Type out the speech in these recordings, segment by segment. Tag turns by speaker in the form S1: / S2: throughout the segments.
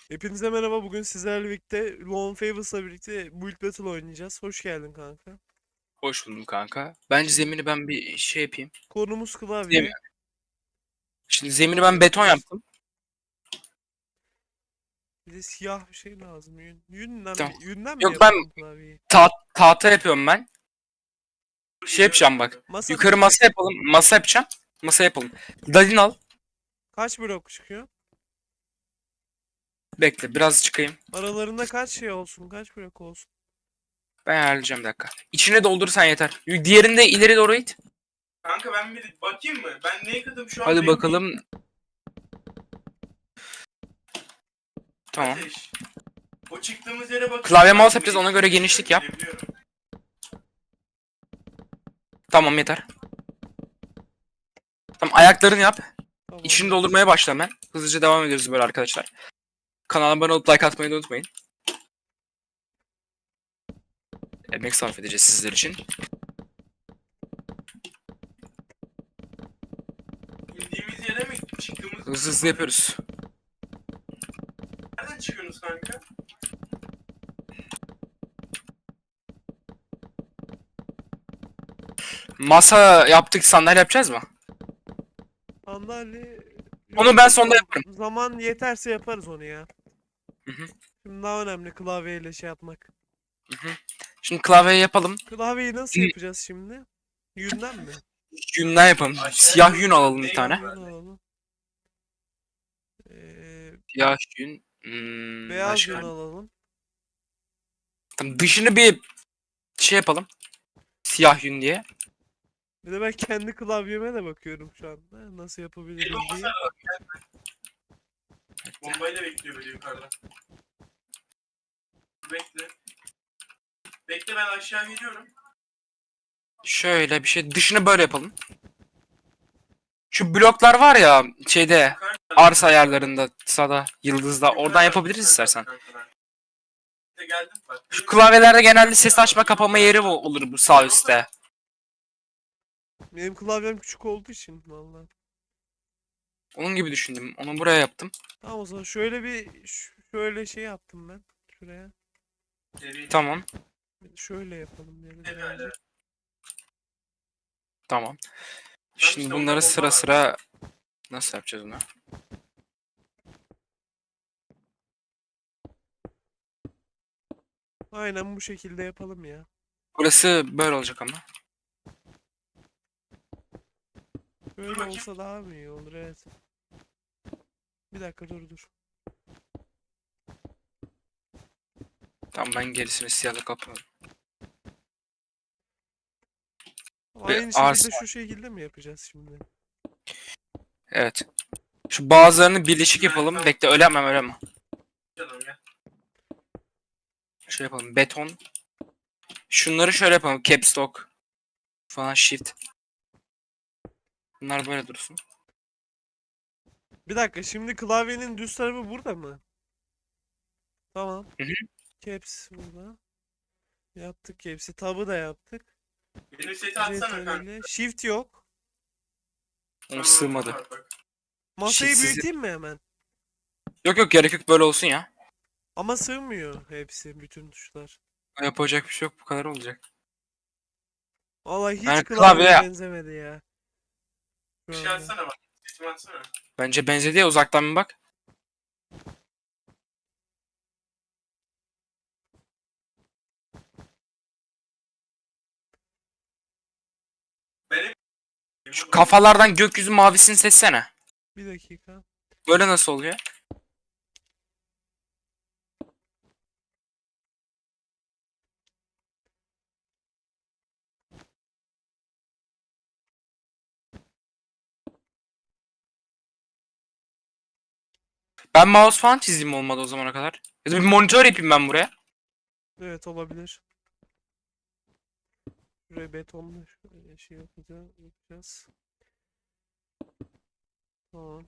S1: Hepinize merhaba. Bugün sizlerle birlikte Lone Favors'la birlikte Build Battle oynayacağız. Hoş geldin kanka.
S2: Hoş buldum kanka. Bence
S1: Şimdi
S2: zemini ben bir şey yapayım.
S1: konumuz
S2: Zemin.
S1: klavye.
S2: Şimdi zemini
S1: Klavye
S2: ben beton
S1: yapacağız.
S2: yaptım.
S1: Bir de siyah bir şey lazım.
S2: Tamam.
S1: Yünden mi
S2: Yok ben
S1: yapalım klavyeyi?
S2: tahta yapıyorum ben. Şey yapacağım bak.
S1: Masa mı
S2: Yukarı masa
S1: yapacaksın?
S2: yapalım. Masa yapacağım. Masa yapalım. Dalin al.
S1: Kaç blok çıkıyor?
S2: Bekle biraz çıkayım.
S1: Aralarında kaç şey olsun? Kaç blok olsun?
S2: Ben ayarlayacağım bir dakika. İçine doldurursan yeter. Diğerini de ileri doğru it.
S3: Kanka ben bir bakayım mı? Ben neye kadım şu an
S2: Hadi
S3: belli değil.
S2: bakalım. Tamam.
S3: Ateş. O çıktığımız yere bakayım.
S2: Klavye
S3: Ben
S2: mouse yapacağız.
S3: neyi
S2: Ona göre genişlik yap.
S3: görebiliyorum.
S2: Tamam yeter. Tamam ayaklarını yap. İçini
S1: Tamamdır.
S2: doldurmaya başla hemen. Hızlıca devam ediyoruz böyle arkadaşlar. Kanala abone olup like atmayı da unutmayın. Emek sarf edeceğiz sizler için.
S3: İndiğimiz yere mi çıktığımız
S2: Hızlı hızlı yapıyoruz.
S3: nereden çıkıyorsunuz kanka?
S2: Masa yaptık, sandalye yapacağız mı?
S1: Sandalye...
S2: Onu ben sonda yaparım.
S1: Zaman yeterse yaparız onu ya.
S2: Hı hı,
S1: Şimdi daha önemli klavyeyle şey yapmak.
S2: hı hı. Şimdi klavyeyi yapalım.
S1: Klavyeyi nasıl yapacağız şimdi? Yünden mi?
S2: Yünden yapalım. Siyah yün alalım bir tane.
S1: Yün alalım. Ee,
S2: Siyah yün.
S1: Beyaz yün
S2: Başka.
S1: alalım.
S2: Tamam, dışını bir şey yapalım. Siyah yün diye.
S1: Bir de ben kendi klavyeme de bakıyorum şu anda. Nasıl yapabiliriz diye.
S3: Bombayla bekliyor böyle yukarıda. Bekle. Bekle ben aşağı geliyorum.
S2: Şöyle bir şey. Dışını böyle yapalım. Şu bloklar var ya şeyde
S3: Yukarı
S2: arsa ayarlarında sağda yıldızda oradan yapabiliriz istersen.
S3: İşte geldim bak.
S2: Şu klavyelerde genelde ses açma kapama yeri olur bu sağ üstte.
S1: Benim klavyem küçük olduğu için vallahi.
S2: Onun gibi düşündüm. Onu buraya yaptım.
S1: Tamam o zaman şöyle şey yaptım ben. Şuraya.
S2: Tamam.
S1: Şöyle yapalım yani
S3: Evet,
S1: birazcık.
S2: Tamam.
S3: işte
S2: Şimdi
S3: orada
S2: bunları
S3: bomba
S2: sıra
S3: var.
S2: sıra nasıl yapacağız onu?
S1: Aynen bu şekilde yapalım ya.
S2: Burası böyle olacak ama.
S1: Böyle
S3: bakayım.
S1: olsa daha mı iyi olur, evet. Bir dakika dur.
S2: Tamam ben gerisini siyahla kapıyorum. Ve
S1: Aynı şekilde
S2: arsa.
S1: şu şekilde mi yapacağız şimdi?
S2: Evet. Şu bazılarını birleşik yapalım. Bekle öyle yapmam öyle yapma.
S3: Canım ya.
S2: Şey yapalım. Beton. Şunları şöyle yapalım. Caps lock falan shift. Bunlar böyle dursun.
S1: Bir dakika, şimdi klavyenin düz tarafı burada mı? Tamam.
S2: Hı hı.
S1: Caps burada. Yaptık caps'i. Tab'ı da yaptık.
S3: Benim seti atsana kanka.
S1: CTRL. Shift yok.
S2: Onu sığmadı.
S3: Bak, bak.
S1: Masayı
S2: Shift sizi.
S1: büyüteyim mi hemen?
S2: Yok yok gerek yok böyle olsun ya.
S1: Ama sığmıyor hepsi, bütün tuşlar.
S2: Yapacak bir şey yok bu kadar olacak.
S1: Vallahi hiç
S2: Yani klavye
S1: klavyeye benzemedi ya.
S3: Bir
S1: Şu
S3: şey
S1: anda.
S3: atsana bak. Setimi atsana.
S2: bence benzedi ya uzaktan bir bak.
S3: Benim
S2: Şu kafalardan gökyüzü mavisini seçsene.
S1: Bir dakika.
S2: Böyle nasıl oluyor? Ben mouse falan çizeyim olmadı o zamana kadar. Ya da bir monitör yapayım ben buraya.
S1: Evet, olabilir. Şuraya betonla şöyle şey yapacağız. Tamam.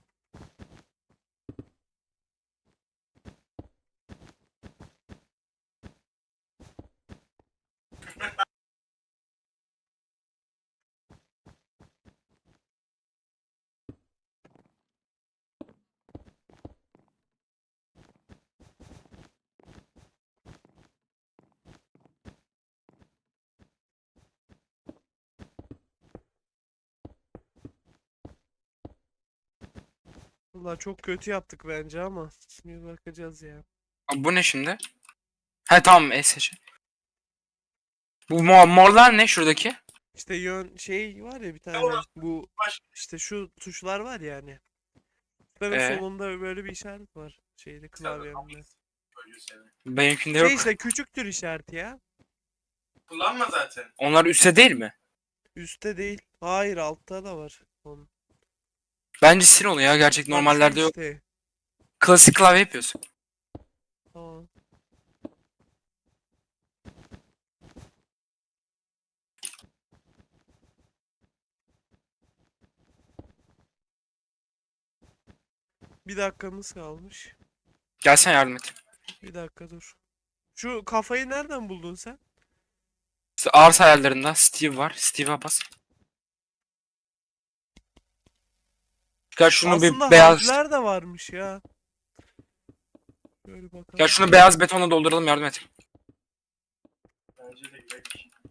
S1: Valla çok kötü yaptık bence ama. Bir bakacağız ya.
S2: Abi bu ne şimdi? He tamam SC. Bu morlar ne şuradaki?
S1: İşte yön şey var ya bir tane.
S3: orası
S1: Bu
S3: başka.
S1: işte şu tuşlar var ya hani. Tuşların
S2: Ee?
S1: solunda böyle bir işaret var. Şeyde klavyemde.
S2: Benimkinde
S1: Şey
S2: yok.
S1: işte küçüktür işareti ya.
S3: Kullanma zaten.
S2: Onlar üstte değil mi?
S1: Üstte değil. Hayır altta da var. Onun.
S2: Bence sil onu ya. Gerçek
S1: Bak şu
S2: normallerde yok.
S1: işte.
S2: Klasik klavye yapıyorsun.
S1: Tamam. Bir dakikamız kalmış.
S2: Gelsen yardım et.
S1: Bir dakika dur. Şu kafayı nereden buldun sen?
S2: İşte arz hayallerinden Steve var. Steve'e bas. Gel şunu
S1: Aslında
S2: bir beyaz.
S1: harfler de varmış ya. Böyle
S2: Gel
S1: bakalım.
S2: şunu beyaz betonla dolduralım yardım et.
S3: Bence de güzel bir şey.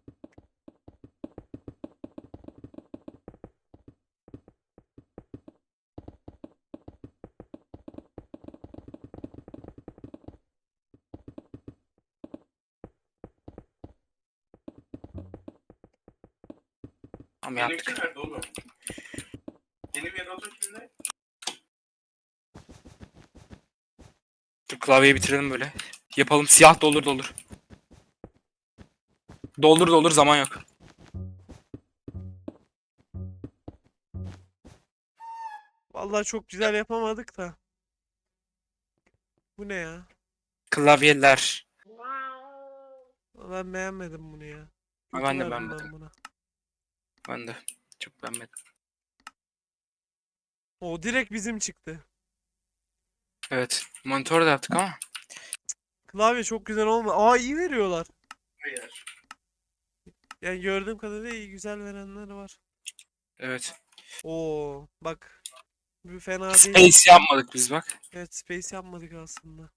S2: Tamam
S3: Benimki
S2: yaptık.
S3: nerede oğlum? Benim Yarato kimde?
S2: Dur klavyeyi bitirelim böyle. Yapalım siyah doldur doldur. Doldur doldur zaman yok.
S1: Vallahi çok güzel yapamadık da. Bu ne ya?
S2: Klavyeler.
S1: Ben beğenmedim bunu ya.
S2: Ha,
S1: Kötü
S2: ben de
S1: verdim
S2: beğenmedim.
S1: buna.
S2: Ben de çok beğenmedim.
S1: O direkt bizim çıktı.
S2: Evet. Monitör de yaptık ama.
S1: Klavye çok güzel olma. Aa iyi veriyorlar.
S3: Hayır.
S1: Yani gördüğüm kadarıyla iyi güzel verenler var.
S2: Evet.
S1: Oo bak. Bu fena değil.
S2: Space yapmadık biz bak.
S1: Evet space yapmadık aslında.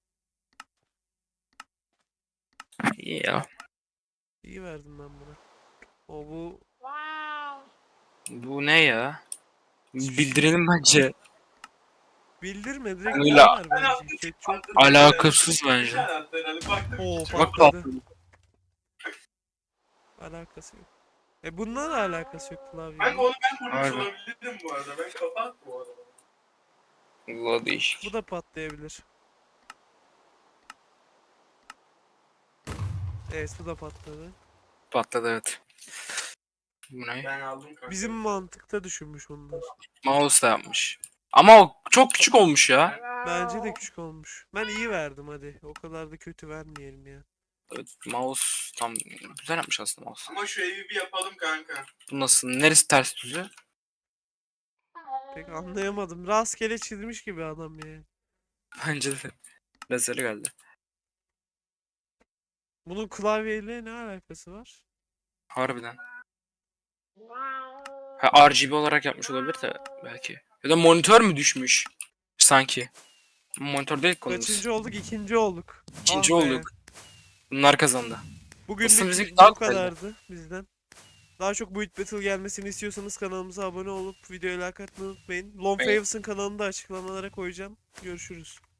S2: İyi ya.
S1: İyi verdim ben buna. O bu
S2: Bu ne ya?
S1: Hiçbir şey.
S2: Bildirelim bence.
S1: bildirme direkt
S2: Öyle.
S1: bize ver
S3: Ben
S1: bence.
S3: attım.
S1: Chat çok
S2: Alakasız
S3: Bir
S2: bence.
S3: tane attı herhalde. Baktım.
S1: Oo
S3: hiç-
S2: Bak
S1: patladı.
S2: patladı.
S1: Alakası yok. Bununla da alakası yok
S3: Ben
S1: klavyenin.
S3: onu ben vurmuş
S2: Harbi.
S3: olabilirim bu arada. Ben kafa attım bu arada.
S2: Allah değişik.
S1: Bu da patlayabilir. Evet bu da patladı.
S2: Patladı evet. Bu ne?
S3: Ben aldım kanka.
S1: Bizim mantıkta düşünmüş onlar.
S2: Mouse da yapmış. Ama o çok küçük olmuş ya.
S1: Bence de küçük olmuş. Ben iyi verdim hadi. O kadar da kötü vermeyelim ya.
S2: Evet, mouse tam güzel yapmış aslında mouse.
S3: Ama şu evi bir yapalım kanka.
S2: Bu nasıl? Neresi ters düzü?
S1: Pek anlayamadım. Rastgele çizmiş gibi adam yani.
S2: Bence de. Rezil geldi.
S1: Bunun klavyeyle ne alakası var?
S2: Harbiden. Ha, RGB olarak yapmış olabilir de belki. Ya da monitör mü düşmüş? Sanki. Monitör değil konumuz.
S1: Kaçıncı olduk? İkinci olduk.
S2: İkinci
S1: Ah be.
S2: olduk. Bunlar kazandı. Aslında
S1: Bugünlük
S2: bizimki daha
S1: bu
S2: kolaydı.
S1: kadardı bizden. Daha çok Build Battle gelmesini istiyorsanız kanalımıza abone olup videoya like atmayı unutmayın. Lone
S2: Evet.
S1: Favos'ın kanalını da açıklamalara koyacağım. Görüşürüz.